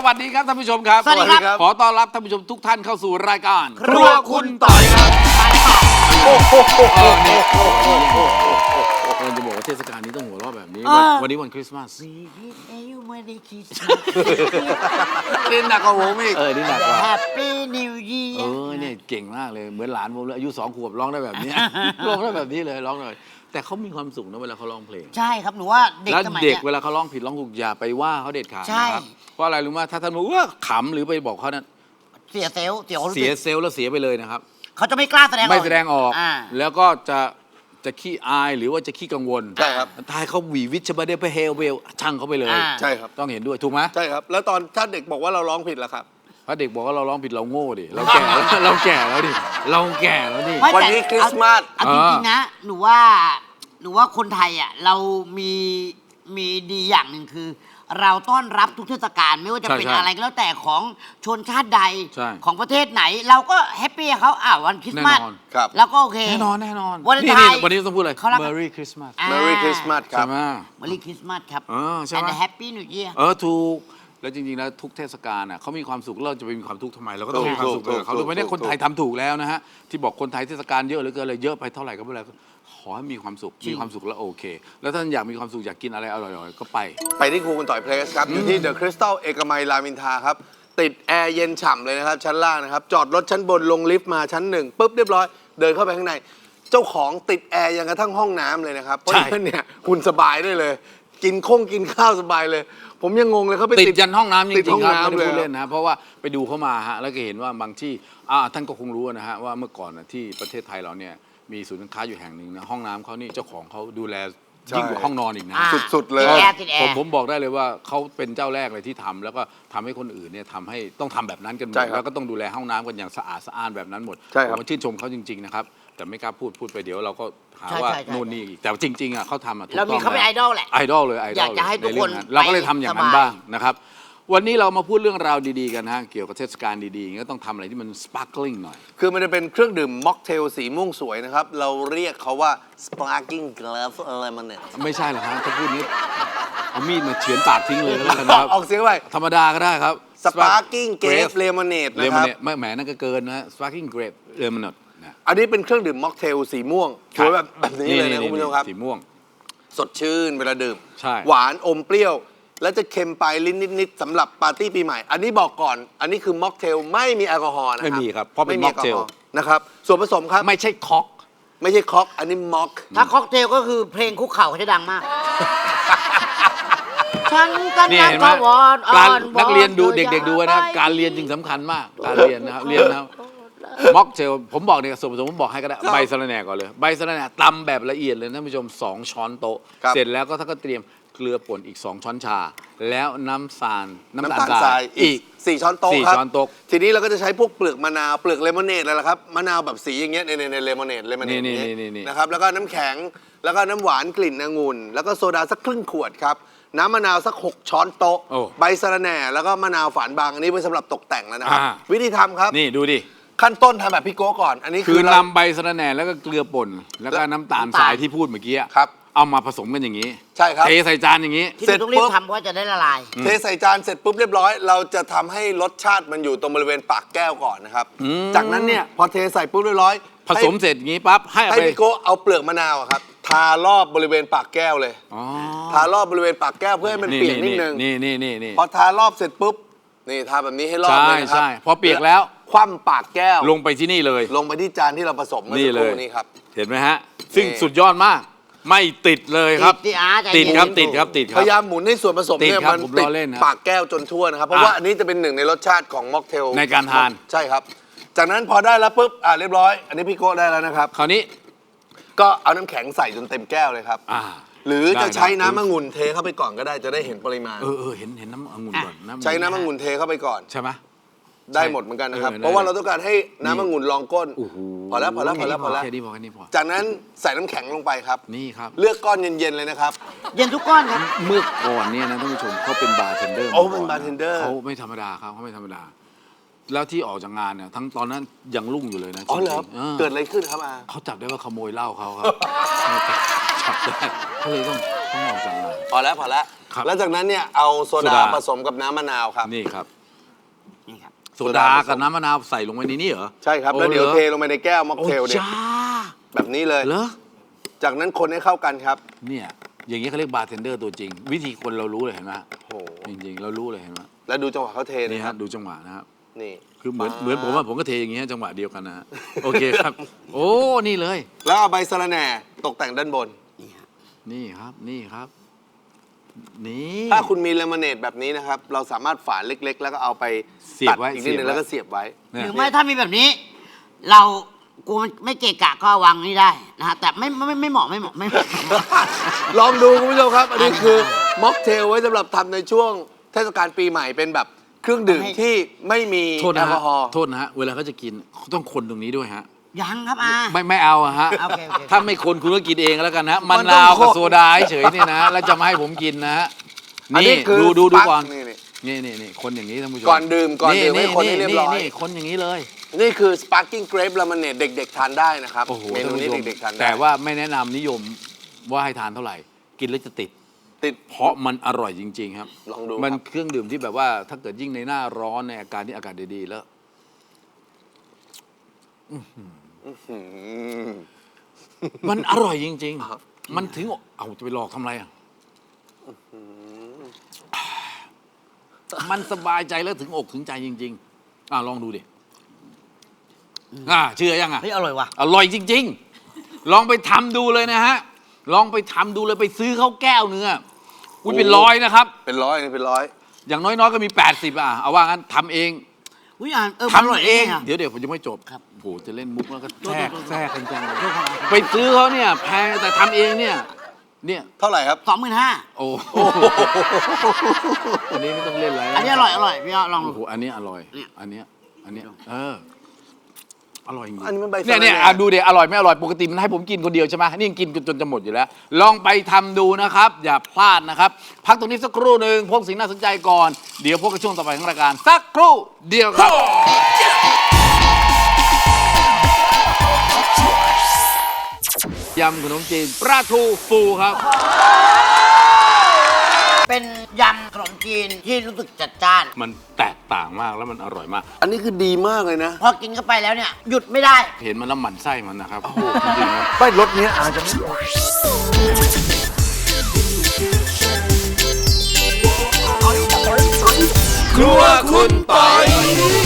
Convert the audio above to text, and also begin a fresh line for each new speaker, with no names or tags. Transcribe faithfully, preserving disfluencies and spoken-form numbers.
วัสดีครับท่านผู้ชมครับ
สวัสดีครับ
ขอต้อนรับท่านผู้ชมทุกท่านเข้าสู่รายการ
ครัวคุณต่อยครับโอ้โห
เออนี่เราจะบอกว่าเทศกาลนี้ต้องหัวเราะแบบนี้ วันนี้วันคริสต์มาส
ชีวิตอายุไม่ได้คิด
เล่นหนักกว่าผมอีกเออนี่หนักกว่า
แฮปปี้นิวเยีย
เออเนี่ยเก่งมากเลยเหมือนหลานผมเลยอายุสองขวบร้องได้แบบนี้ ร้องได้แบบนี้เลยร้องเลยแต่เขามีความสุขนะเวลาเขาร้องเพลง
ใช่ครับหนูว่าเด็ก
แล้ว
สมัย
เด็ก
เนี้ย
เวลาเขาร้องผิดร้องถูกอย่าไปว่าเขาเด็ดขาด
ใช่
นะครับเพราะอะไรรู้ไหมถ้าท่านบอกว่าขำหรือไปบอกเขานั้น
เสียเซลล์เสียความรู้
เสี
สึ
ย
ก
เซลล์แล้วเสียไปเลยนะครับ
เขาจะไม่กล้าแสดงออก
ไม่แสดงออก
อ่า
แล้วก็จะจะขี้อายหรือว่าจะขี้กังวล
ใช่ครับ
ทายเขาหวีวิชบาเดไปเฮลเวลช่างเขาไปเลย
อ่า
ใช่ครับ
ต้องเห็นด้วยถูกไหม
ใช่ครับ แล้วตอนถ้าเด็กบอกว่าเราร้องผิดล่ะครับ
เพราะเด็กบอกว่าเราร้องผิดเราโง่ดิเราแก่แล้ว เราแก่แล้วดิเราแก่แล้วดิ
ไม่
วัน
แต่
นี้คริสต์มาส
เอาเอาจริงๆนะหนูว่าหนูว่าคนไทยอ่ะเรามีมีดีอย่างหนึ่งคือ เราต้อนรับทุกเทศกาลไม่ว่าจะเป็นอะไรก็แล้วแต่ของชนชาติใด
ใช่
ของประเทศไหน เราก็แฮปปี้กับเขาอ่าวันคริสต์มาส
แน่นอน
ครับ
แล้วก็โอเค
แน่นอนแน่นอน
วัน
นี่
ไทย
นี่วันนี้ต้องพูดเลย
เขารัก
Merry Christmas
อ่า
Merry Christmas ครั
ใช่
บ
ไหม
วันคริสต์มาสครับ
เออใช่ไหม
and Happy New Year
เออถูกแล้วจริงๆแล้วทุกเทศกาลน่ะเขามีความสุขเราจะไปมีความทุกข์ทำไมเราก็ต้อง
ถูก
มีความสุข
ถู
กับ
ก
เขา
ถูก
ถูกไหมเนี่ย
ถูก
คนไทยทำถูกแล้วนะฮะที่บอกคนไทยเทศกาลเยอะเหลือเกินเลยเยอะไปเท่าไหร่ก็ไม่เป็นไรขอให้มีความสุขมีความสุขแล้วโอเค แล้วท่านอยากมีความสุขอยากกินอะไรอร่อยๆก็ไป
ไปที่ครูคุณต่อยเพลสครับ อยู่ที่เดอะคริสตัลเอกมัยรามอินทราครับ ติดแอร์เย็นฉ่ำเลยนะครับ ชั้นล่างนะครับ จอดรถชั้นบนลงลิฟต์มาชั้นหนึ่งปุ๊บเรียบร้อย เดินเข้าไปข้างใน เจ้าของติดแอร์ยังกระทั่งห้องน้ำเลยนะครับ เพราะฉะนั้นเนี่ยคุณสบายได้เลย กินคงกินข้าวสบายเลย ผมยังงงเลยเขาไป
ติดยันห้องน้ำจ
ติด
ริ
ห้
ง
อง
ๆครับไม่
น้ำ
ได้
เลย
พูดเล่นนะเพราะว่าไปดูเข้ามาฮะแล้วก็เห็นว่าบางที่อ่าท่านก็คงรู้นะฮะว่าเมื่อก่อนน่ะที่ประเทศไทยเราเนี่ยมีศูนย์การค้าอยู่แห่งหนึ่งนะห้องน้ำเขานี่เจ้าของเขาดูแลยิ่งกว่าห้องนอนอีกนะ
อ่า
สุดๆเลย
ติดแอร์ติดแอ
ผม
ร์
ผมบอกได้เลยว่าเขาเป็นเจ้าแรกเลยที่ทำแล้วก็ทำให้คนอื่นเนี่ยทำให้ต้องทำแบบนั้นกันหม
ใช่
ด
ครับ
แล้วก็ต้องดูแลห้องน้ำกันอย่างสะอาดสะอ้านแบบนั้นหมด
ใช่ครับ
ผมชื่นชมเขาจริงๆนะครับแต่ไม่กล้าพูดพูดไปเดี๋ยวเราก็หา
ใช่
ว่า
ใช่ใช่
นู่นนี่อีกแต่จริงๆอ่ะเขาทำอ่ะถูก
เรา
ต้
มี
อง
เขาเป็นไอ
แล้ว
ดอลแหละ
ไอดอลเลยไอดอล
อยากจะให้ทุกคน
เราก็เลยทำอย่างนั้น
ไปสบาย
บ้างนะครับวันนี้เรามาพูดเรื่องราวดีๆกันนะฮะเกี่ยวกับเทศกาลดีๆก็ต้องทำอะไรที่มัน sparkling หน่อย
คือมันจะเป็นเครื่องดื่มม็อกเทลสีม่วงสวยนะครับ เราเรียกเขาว่า sparkling glass lemonade
ไม่ใช่หรอกฮะถ้าพูดนี้เอามีดมาเฉือนปากทิ้งเลยก็แล้วกันนะครับ
ออกเสียงไป
ธรรมดาก็ได้ครับ
sparkling grape lemonade
เล
นะ
ม
ครับ
เนตไม่แหมนั่นก็เกินนะฮะ sparkling grape lemonade นะ
อันนี้เป็นเครื่องดื่มม็อกเทลสีม่วงสวยแบบแบบนี้เลยนะคุณผู้ชมครับ
สีม่วง
สดชื่นเวลาดื่ม
ใช่
หวานอมเปรี้ยว แล้วจะเค็มปลายลิ้นนิดๆสำหรับปาร์ตี้ปีใหม่ อันนี้บอกก่อน อันนี้คือม็อกเทลไม่มีแอลกอฮอล์นะครับ
ไม่มีครับเพราะเป็น
ไแอลกอฮอล์
mocktail
นะครับ ส่วนผสมครับ
ไม่ใช่คอก
ไม่ใช่ค็อก อันนี้ม็อก
ถ้าค็อกเทลก็คือเพลงคุกเข่าเขาจะดังมาก ฉันกัน
นี่
นั
เห็น
ก
ไหม
วอนอ่
การ
อนวอน
นักเรียนดู
ธอ
เด็กๆดูนะ
อย่ไป
การเรียนจึงสำคัญมาก การเรียนนะครับเรียนนะครับม็อกเทลผมบอกเนี่ยส่วนผสมผมบอกให้ก็ได้ใบสะระแหน่ก่อนเลยใบสะระแหน่ตำแบบละเอียดเลยท่านผู้ชมสองช้อนโต๊ะ
ครับ
เสร็จแล้วก็ท่านก็เตรียมเกลือป่นอีกสองช้อนชา แล้วน้ำตาลน้ำ
น้ำ
ตา
ตา
ล
ล
ท
ท
ราร
าย ย
อี
อี
ก
กสี่ช้อนโต๊ะ
สี่
ครับ
ช้อนโต๊ะ
ทีนี้เราก็จะใช้พวกเปลือกมะนาวเปลือกเลมอนเนดอะไรล่ะครับมะนาวแบบสีอย่างเงี้ยในในในเลมอนเนดเลมอนเนด
นี่
อย่าง
นี่
เงี้ย
นี่นี่
นะครับแล้วก็น้ำแข็งแล้วก็น้ำหวานกลิ่นองุ่นแล้วก็โซดาสักครึ่งขวดครับน้ำมะนาวสักหกช้อนโต๊ะ
โอ้
ใบสะระแหน่แล้วก็มะนาวฝานบางอันนี้ไว้สำหรับตกแต่งแล้วนะครับ
อ่า
วิธีทำครับ
นี่ดูดิ
ขั้นต้นทำแบบพี่โก้ก่อน อันนี้
คื
คือ อเรา
นำใบสะระแหน่แล้วก็เกลือป่นแล้วก็น้ำตาลทรายที่พูดเมื่อกี้อะ
ครับ
เอามาผสมกันอย่างนี้
ใช่ครับ
เทใส่จานอย่างนี้
ที่
เสร็
เรา
จ
ต้องรี
ปุ๊
บบ ทำเพราะว่าจะได้ละลาย
เทใส่จานเสร็จปุ๊บเรียบร้อย เราจะทำให้รสชาติมันอยู่ตรงบริเวณปากแก้วก่อนนะครับ จากนั้นเนี่ยพอเทใส่ปุ๊บเรียบร้อย
ผสมเสร็จอย่างนี้ปั๊บให้เอา
ให้
ไป
พี่โก้เอาเปลือกมะนาวอะครับทารอบบริเวณปากแก้วเลย
อ๋อ
ทารอบบริเวณปากแก้วเพื่อให้มันเปียกนิดนึง
นี่นี่นี่นี่
พอทารอบเสร็จปุ๊บนี่ทาแบบนี้ให้รอบ
ใช่
เลยนะครั
ใช่พอเปียกแล้ว
คว่ำปากแก้ว
ลงไปที่นี่เลย
ลงไปที่จานที่เราผสมเมื่อ
นี่
สัก
เล
ค
ย
รู่นี้ครับ
เห็นไหมฮะ ซึ่ง
นี่
สุดยอดมาก ไม่ติดเลยครับ
ติดที่อาร์ตใจ
ติด
เย็น
ครับติดครับติดค
พ
รับ
ยายามหมุนให้ส่วนผสม
ติด
เนี่ย
ครับ
มัน
ผม
ติ
ล้
ด
อเล่นนะ
ปากแก้วจนทั่วนะครับ เพราะ
อ่ะ
ว่าอันนี้จะเป็นหนึ่งในรสชาติของม็อกเทล
ในการทาน
ใช่ครับ จากนั้นพอได้แล้วปุ๊บอ่าเรียบร้อย อันนี้พี่โก้ได้แล้วนะครับ
คราวนี้
ก็เอาน้ำแข็งใส่จนเต็มแก้วเลยครับ
อ่า
หรือ
ได้
จะใช้
ได้
น้ำมะงุ่นเทเข้าไปก่อนก็ได้จะได้เห็นปริมาณ
เออเออเห็นเห็นน้ำองุ่นก่อนำองุ่
ใช้น้ำมะงุ่นเทเข้าไปก่อน
ใช่ไหม
ได้หมดเหมือนกันนะครับ
เออได้
เพราะว่าเราต้องการให้น้ำมะงุ่นรองก้น
โอ้โห
พอแล้วพอแล้วพอแล้วพอแล้ว
แค่นี้พอแค่นี้พอ
จากนั้นใส่น้ำแข็งลงไปครับ
นี่ครับ
เลือกก้อนเย็นๆเลยนะครับ
เย็นทุกก้อนครับ
เมื่อก่อนเนี่ยนะท่านผู้ชมเขาเป็นบาร์เทนเดอร์
โอ้
มาก่
เป็นบาร์เทนเดอร์
เขาไม่ธรรมดาครับเขาไม่ธรรมดา แล้วที่ออกจากงานเนี่ยทั้งตอนนั้นยังรุ่งอยู่เลยนะ
อ๋อเหรอ
จงๆออ
เกิดอะไรขึ้นครับอา
เขาจับได้ว่าขโมยเหล้าเขาครับ จับได้เขาเลยต้องต้องออกจากงาน
พอแล้วพอแล้ว
ครับ
แล้วจากนั้นเนี่ยเอาโซ
โซ
ดา
ดา
ผสมกับน้ำมะนาวครับ
นี่ครับโซดากับน้ำมะนาวใส่ลงไปในนี้เหรอ
ใช่ครับ
โอ้
แล้วเดี๋ยว
หรอ
เทลงไปในแก้วม็อก
โอ้
เทลเนี่ย
จ้า
แบบนี้เลย
เหรอ
จากนั้นคนให้เข้ากันครับ
เนี่ยอย่างนี้เขาเรียกบาร์เทนเดอร์ตัวจริง วิธีคนเรารู้เลยเห็นไหม
โอ้โห
จริงๆ เรารู้เลยเห็นไหม
แล้วดูจังหวะเขาเท
นี่
นะค
ฮะ
รับ
ดูจังหวะนะครับ
นี่
คือเหมือนเหมือนผมว่าผมก็เทอย่างงี้ฮะจังหวะเดียวกันนะฮะโอเคครับ โอ้นี่เลย
แล้วเอาใบสะระแหน่ตกแต่งด้านบน
นี่ครับนี่ครับ นี่
ถ้าคุณมีเลมอนเนดแบบนี้นะครับ เราสามารถฝานเล็ก ๆ แล้วก็เอาไป
เสียบไว้
ตัดอีกนิดนึงแล้วก็เสียบไว้
เนี่ย
หรือไม่ถ้ามีแบบนี้ เรากูไม่เกะกะก็วางนี่ได้นะฮะแต่ไม่ไม่ไม่ไม่เหมาะไม่เหมาะไม่เหมาะ
ลองดูคุณผู้ชมครับ อันนี้คือม็อกเทลไว้สำหรับทำในช่วงเทศกาลปีใหม่เป็นแบบเครื่องดื่มที่ไม่มี
โทษ
แอ
นะ
ลก
ฮะ
อฮอล์
โทษนะฮะเวลาเขาจะกินเขาต้องคนตรงนี้ด้วยฮะ
ยังครับอา
ไม่ไม่เอาอะฮะ
โอเคโอเค
ถ้าไม่คนคุณก็กินเองแล้วกันนะ
มั
มะ
นต้อง
นาวกับ
คน
โซดาเฉยๆเนี่ยนะ แล้วจะมาให้ผมกินนะฮะ
อัน
นี่
นี้คือ
ดูดูดู
สปาร์ค
ก่อน
นี่นี่
นี่นี่นี่คนอย่างนี้ท่านผู้ชม
ก่อนดื่มก่อนดื่มให้คนให้เรียบร้อย
นี่คนอย่างนี้เลย
นี่คือ sparkling grape lemonade เด็ก ๆ ทานได้นะครับ
โอ้โห
เมนู
ท่าน
นี้
ผู้ชม
เด็ก ๆ ทานได้
แต่ว่าไม่แนะนำนิยมว่าให้ทานเท่าไหร่ กินแล้วจะติด
ติด
เพราะมันอร่อยจริง ๆ ครับ
ลองดู
มัน
ครับ
เครื่องดื่มที่แบบว่าถ้าเกิดยิ่งในหน้าร้อนในอาการที่อากาศดีๆแล้ว
อืม
มันอร่อยจริง
ครับ
ๆ มันถึงเอาจะไปหลอกทำไรอ่ะมันสบายใจแล้วถึงอกถึงใจจริง ๆ อ่ะลองดูดิอ่าเชื่อยังอ่ะ
เฮ้ยอร่อยว่ะ
อร่อยจริง ๆ ลองไปทำดูเลยนะฮะ ลองไปทำดูเลยไปซื้อข้าวแก้วเนื้ออุ้ยเป็นร้อยนะครับ
เป็นร้อยนี่เป็นร้อย
อย่างน้อยๆก็มี แปดสิบ อ่ะ เอาว่างั้นทำเอง
อุ้ยอ่านเออมันอร่อย
ทำเอง
ะ
เดี๋ยวเดี๋ยวผมจะไม่จบ
ครับ
โอ้โหจะเล่นมุกแล้วก็แทรก
โทษโทษโทษ
แทรกกันจังเลยไปซื้อเขาเนี่ยแพงแต่ทำเองเนี่ย เนี่ย
เท่าไหร่ครับ
สองหมื่นห้า
โอ้โหอันนี้ไม่ต้องเล่นอะไร
อันนี้อร่อยอร่อยพี่ยอดลอง
โอ้
ดู
โหอันนี้อร่อย
เนี่ย
อันเนี้ยอันเนี้ยเอออร่อยจริง
อันนี้มันใบ
เนี่ยเนี่ย
สะระแหน่
อ่ะดูเดี๋ยวอร่อยไม่อร่อยปกติมันให้ผมกินคนเดียวใช่ไหมนี่ยังกินจนจะหมดอยู่แล้ว ลองไปทำดูนะครับ อย่าพลาดนะครับ พักตรงนี้สักครู่หนึ่งพบสิ่งน่าสนใจก่อน เดี๋ยวพบกับช่วงต่อไปของรายการสักครู่เดียวครับ ยำขนมจีนปลาทูฟูครับ
เป็นยำขนมจีนที่รู้สึกจัดจ้าน
มันแตกต่างมากแล้วมันอร่อยมาก
อันนี้คือดีมากเลยนะ
พอกินเข้าไปแล้วเนี่ย หยุดไม่ได้
เห็นมันแล้วหมั่นไส้มันนะครับจริงๆนะ
ไม่รสเนี้ยอาจจะไม่
ครัวคุณปอย